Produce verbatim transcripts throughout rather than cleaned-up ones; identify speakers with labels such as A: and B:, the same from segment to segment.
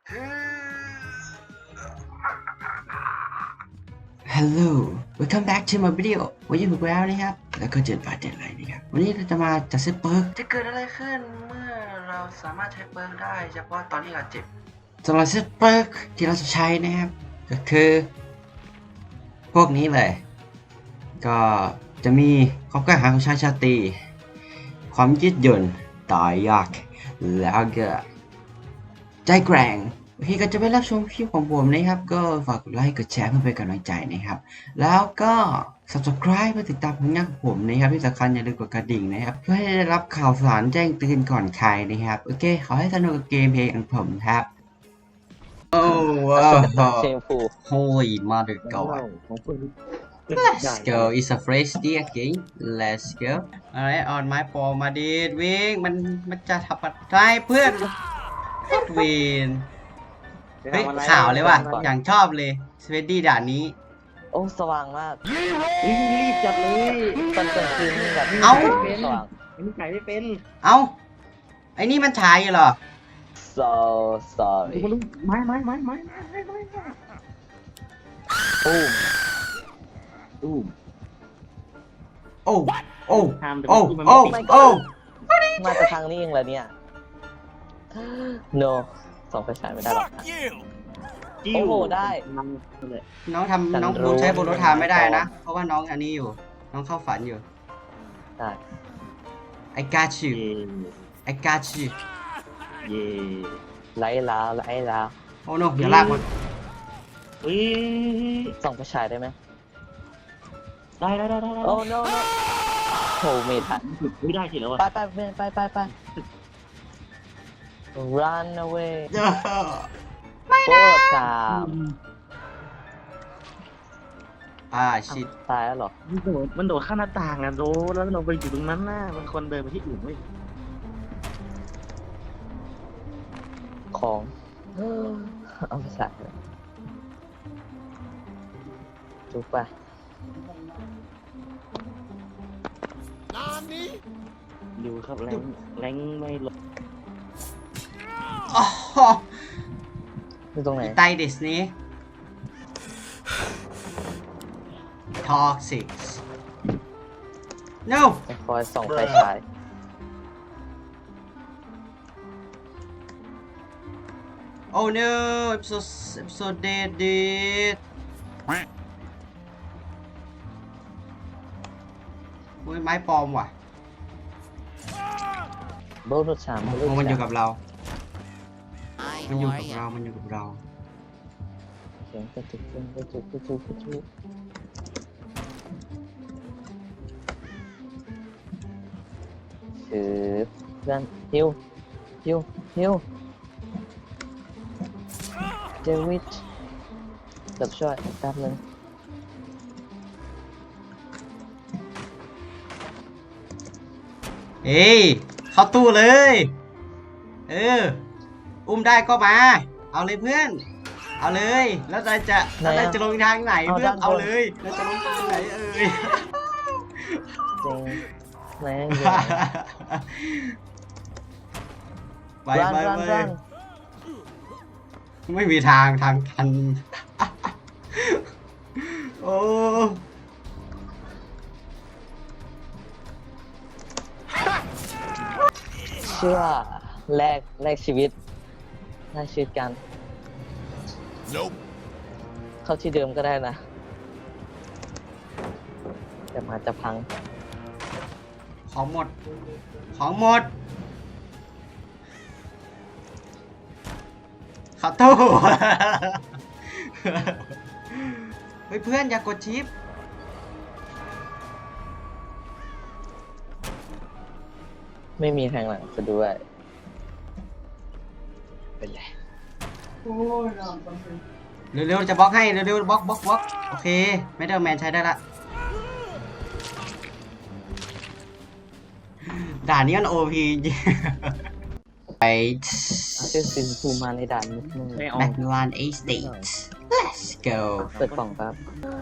A: Hello welcome back to my video วันนี้ผมแล้วนะครับแล้วก็เจอปาเจ็ดอะไรนะครับวันนี้เราจะมาจัดเซตเปิร์กจะเกิดอะไรขึ้นเมื่อเราสามารถใช้เปิร์กได้เฉพาะตอนที่เราเจ็บสำหรับเซตเปิร์กที่เราจะใช้นะครับก็คือพวกนี้เลยก็จะมีความกล้าหาญของชายชาตรีความยืดหยุ่นต่อยากแล้วก็ใจแกร่งโอเคก็จะไปรับชมคลิปของผมนะครับก็ฝากกดไลค์กดแชร์เพื่อเป็นกำลังใจนะครับแล้วก็ subscribe เพื่อติดตามผลงานของผมนะครับที่สำคัญอย่าลืมกดกระดิ่งนะครับเพื่อให้ได้รับข่าวสารแจ้งเตือนก่อนใครนะครับโอเคขอให้สนุกกับเกมเพลย์ของผมครับโอ้ว้าว Holy mother god Let's go it's a fresh day again Let's go alright on my ball มาดีดวิ่งมันมันจะทำอะไรเพื่อนวินเฮ้ยข่าวเลยว่ะอย่างชอบเลยสเวดดี้ด่านนี้
B: โอ้สว่างมากรีบจัดเลยตอนกลางคืนแบบ
A: เอ้า
B: สว่าง
C: มันไก่ไม่เป็น
A: เอ้าไอ้นี่มันฉายเหรอ
B: so sorry
C: ไม้ไม้ไม้ไม้ไม้ไม้ไม้
B: ตุ้ม
C: ตุ้ม
A: โอ้โอ้โอ้โอ้โอ้
B: มาจากทางนี้เองเหรอเนี่ย no ส่องไฟฉายไม่ได้หรอกโอ้โหได้
A: น้องทำน้องบูใช้โบโลทามไม่ได้นะเพราะว่าน้องอันนี้อยู่น้องเข้าฝันอยู่
B: ได้
A: I got you I got you
C: เย่
B: ไล่ลาไล่ลา
A: โอ้โนอย่าลากมัน
C: อุ้ย
B: ส่องไฟฉายได้ไหม
C: ได้ได้ได้ได้
B: โอ้ no no โหไม่ทัน
C: ไม่ได้สิแล้วอ่ะ
B: ไปไปไปไปไป run away
A: ไม่ได้
B: ตาม
A: อ่าชิด
B: ตายแล้วหรอ
C: มันโดดมันโดดข้ามหน้าต่างอ่ะโดดแล้วเราไปอยู่ตรงนั้นน่ะมันคนเดินไปที่อื่นไม่
B: ของเอาไปใส่จุกไป
C: ดูครับแรงแรงไม่ลด
B: อยู่ตรงไหน
A: ไตดิสนี้ toxic no
B: คอยส่องไฟฉาย
A: oh no I'm so I'm so dead dead โอ้ยไม้ปลอมว่ะ
B: โบนุชาม
A: มันอยู่กับเรามันอยู่กับเรามันอยู่กับเรา
B: เสียงกระตุกกระตุกกระตุกกระตุกคือเพื่อนฮิวฮิวฮิวเดวิดจับช่วยแป๊บนึง
A: เฮ้ยเข้าตู้เลยเอออุ้มได้ก็มาเอาเลยเพื่อนเอาเลยแล้วเราจะเราจะลงทางไหนเพื่อนเอาเลยเราจะลงทางไหนเอ่ย
B: จริงแรง
A: ไปไปไปไม่มีทางทางทันโอ้
B: เชื่อแลกแลกชีวิตแลกชีวิตกัน
D: Nope
B: เข้าที่เดิมก็ได้นะแต่มาจะพัง
A: ของหมดของหมดขับตู้เฮ้ยเพื่อนอย่ากดชิป
B: ไม่มีทางหลังจะด้วยเป็นไร
A: เร็วๆจะบล็อกให้เร็วๆบล็อกบล็อกบล็อกโอเคไม่ได้แมนใช้ได้ละด่านนี้มันโอพีไป
B: เชื่อซินฟูมาในด่านนิดนึง
A: แม็กลานเอสเตท let's go
B: เปิดกล่องครับ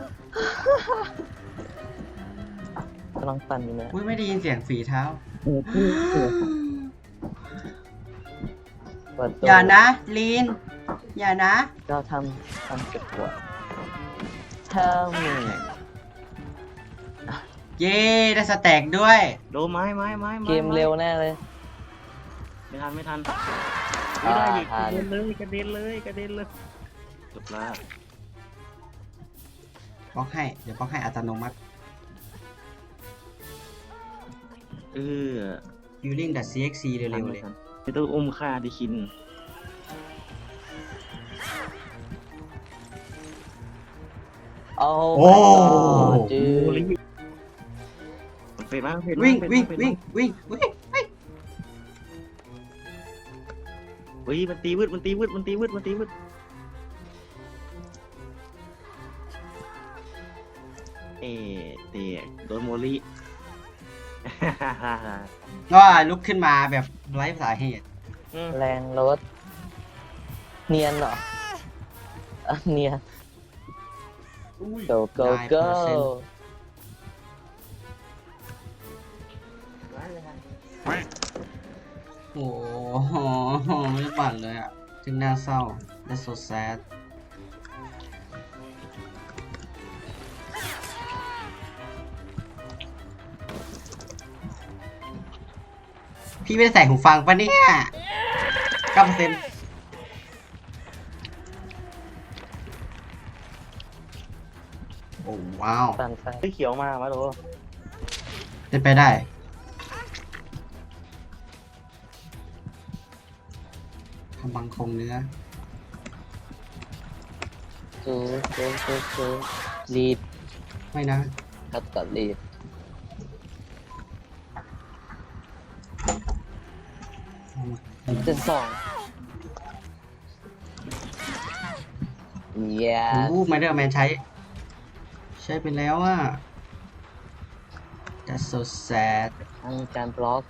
B: กำลังปั่นอยู่นะ
A: อุ้ยไม่ได้ยินเสียงฝีเท้าอย่านะลีนอย่านะ
B: เราทำทำเก็บปวด Tell me
A: เย้ได้สแต็กด้วย
C: โดนไม้ไม้ไม้ไม้
B: เกมเร็วแน่เลย
C: ไม่ทันไม่ทัน
B: อ่า
C: ไม่ได้อีก
B: ทั
C: กระ
B: น
C: เด็นเลยกระเด็นเลยกระเด็นเลยจบละ
A: บล็อกให้ เดี๋ยวบล็อกให้อัตโนมัติ
C: เออ
A: healing.cxc เร็วๆเลย
C: ไม่ต้องอุ้มฆ่าดิคิน
B: โอ้
A: โอ้
B: จื
C: โอ้
B: ด
C: ยมันเป็นมากเป็นมาก
A: วิ่ง
C: เป็น
A: วิ่ง
C: มากเป็น
A: วิ่ง
C: มาก
A: วิ่งวิ่งวิ่ง
C: เฮ้ยมันตีวืดมันตีวืดมันตีวืดมันตีวืดเอ๊ะเตะโดนโมลิ
A: ก็ลุกขึ้นมาแบบไร้สาเหตุ
B: แรงรถ เนียนเหรออ่ะเนียน go go go
A: โอ้โหไม่ได้บั่นเลยอ่ะจึงน่าเศร้า That's so sad พี่ไม่ได้ใส่หูฟังปะเนี่ยเก้าเปอร์เซ็นต์โอ้ว้าว
B: ปั่นไฟ
C: เฮ้ยเขียวมามาดู
A: เป็นไปได้ทำบังคงเนื้อ
B: จูจูจูจูรีบ
A: ไม่นะ
B: ครับกับรีบเจนสอง yeah
A: โอ้ไม่ได้แมนใช้ ใช้ไปแล้วอ่ะ That's so sad
B: ทางการบล็อก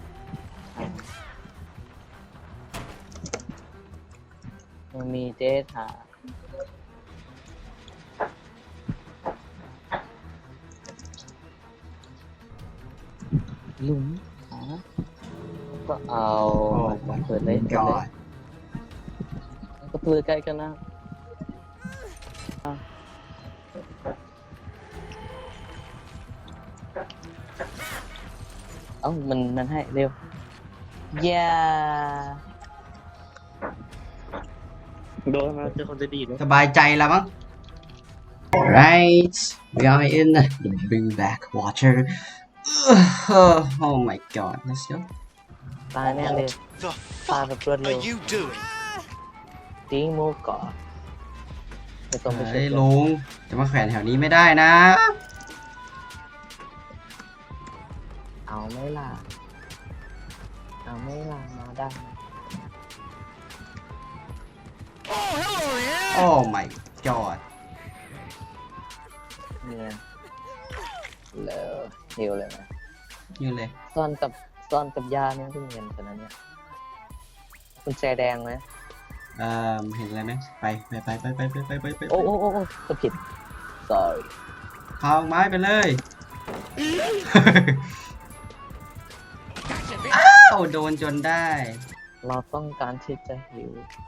B: มันมีเดทาหลุมหาก็เอา
A: โอ้
B: เปิดเลยเปิดเลย
A: God
B: ก็เปิดใกล้กันนะเอ้ามันมันให้เร็ว yeah
C: โดนมาเจอคนจะดีเลย
A: สบายใจแล้วมั้ง Right we are in the bring back water oh my god let's go
B: ตายแน่เลย
D: The
B: ตาย
D: fuck
B: แบบรวดเร็
D: are
B: ว
D: you doing?
B: ติ้งมูฟก่อนไม่ต้องไป
A: เฮ้
B: เช็
A: ย
B: ค
A: ลุงจะมาแขวนแถวนี้ไม่ได้นะ
B: เอาไม่ล่ะเอาไม่ล่ะมาได้
A: Oh my god
B: เนี่ยเลยฮิวเลยนะ
A: ยืนเลย
B: ซ่อนกับซ่อนกับยาเนี่ยเพิ่งเห็นขนาดเนี้ยคุณแจแดงไหม
A: เอ่อเห็นอะไรไหมไปไปไปไปไปไปไปไปไป
B: โอ้โอ้โอ้โอ้ก็ผิด sorry
A: พาไม้ไปเลย อ้าวโดนจนได้
B: เราต้องการที่จะหิว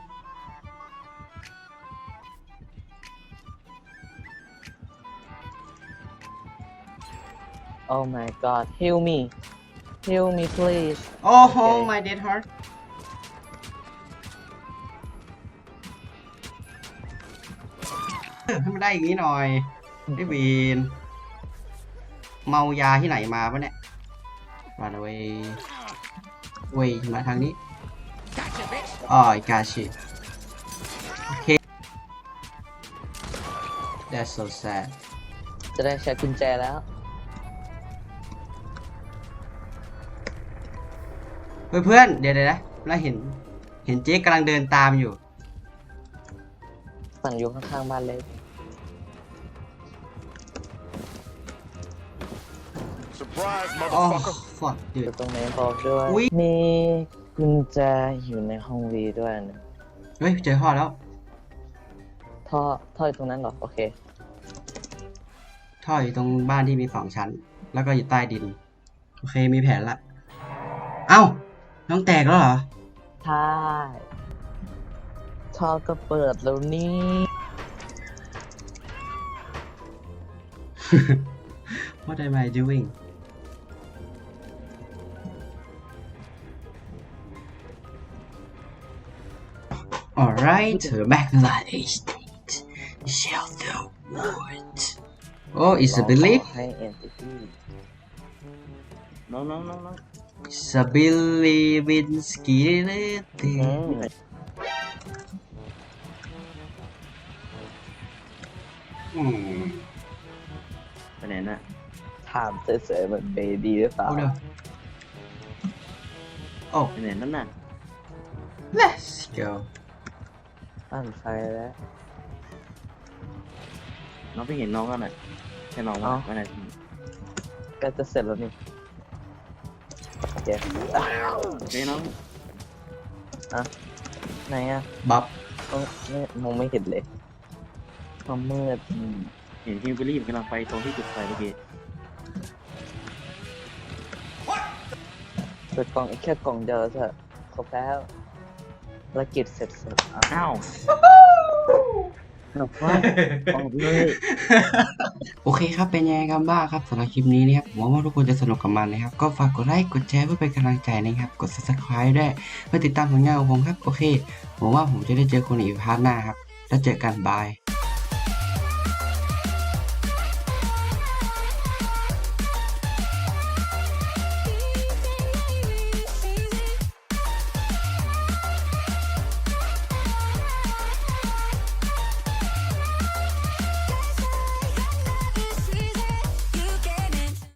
B: Oh my god heal me heal me please
A: โอ้โห
B: Okay.
A: my dead heart ให้มันได้อย่างนี้หน่อยไอ้วีนเมายาที่ไหนมาปะเนี่ย run away เวยมาทางนี้อ๋อ I got you โอเค that's so sad
B: จะได้ใช้กุญแจแล้ว
A: เพื่อนเพื่อนเดี๋ยวเดี๋ยวนะแล้วเห็นเห็นเจ๊กำลังเดินตามอยู่
B: สั่งอยู่ข้างๆบ้านเล็ก
D: Surprise,
A: โอ้
D: motherfucker.
A: fuck
B: อยู่
A: dude
B: ตรงไหนบอกด้วย
A: อุ๊ย
B: มีกุญแจอยู่ในห้องวีด้วยนะ
A: เฮ้ยเจอท่อแล้ว
B: ท่อท่ออยู่ตรงนั้นเหรอ โอเค
A: ท่ออยู่ตรงบ้านที่มีสองชั้น แล้วก็อยู่ใต้ดิน โอเคมีแผนละ เอ้าน้องแตกแล้วเหรอ
B: ใช่ทอก็เปิดแล้วนี่
A: What am I doing Alright we're back to that estate Shelter Wood Oh it's a belief
B: ให้ entity
C: น้องน้องน้องน้อง
A: It's a belief in
B: อื
A: skeleton
B: ม
A: อืม
C: ไปไหนน่ะ
B: ถามเฉยๆมันเบดีหรือเปล่า
A: เอาเดี๋ยว Oh
C: ไปไหนนั่นน่ะ
A: let's go
B: อ่านไฟแล้ว
C: น้องไปเห็นน้องกันน่ะใช่น้องว่า
B: เอ้า
C: ไปไหน
B: ก็จะเสร็จแล้วนี่โอเค
C: เฮ้ยน้อง
B: ไหนอ่ะ
A: บับ
B: เอ้าไม่มองไม่เห็นเลยความมืด
C: อืมเห็นฮิวเบอรี่กำลังไปตรงที่จุดไฟเมื่อกี้
B: เปิดกล่องอีกแค่กล่องเดียวเถอะครบแล้วภารกิจเสร็จสับอ่ะ
C: อ้าวแบบว่าออกเลย
A: โอเคครับเป็นยังไงกันบ้างครับสำหรับคลิปนี้นะครับหวังว่าทุกคนจะสนุกกับมันนะครับก็ฝากกดไลค์กดแชร์เพื่อเป็นกำลังใจนะครับกด ซับสไครบ์ ด้วยเพื่อติดตามผลงานของผมครับโอเคหวังว่าผมจะได้เจอคนอีกพาร์ทหน้าครับแล้วเจอกันบาย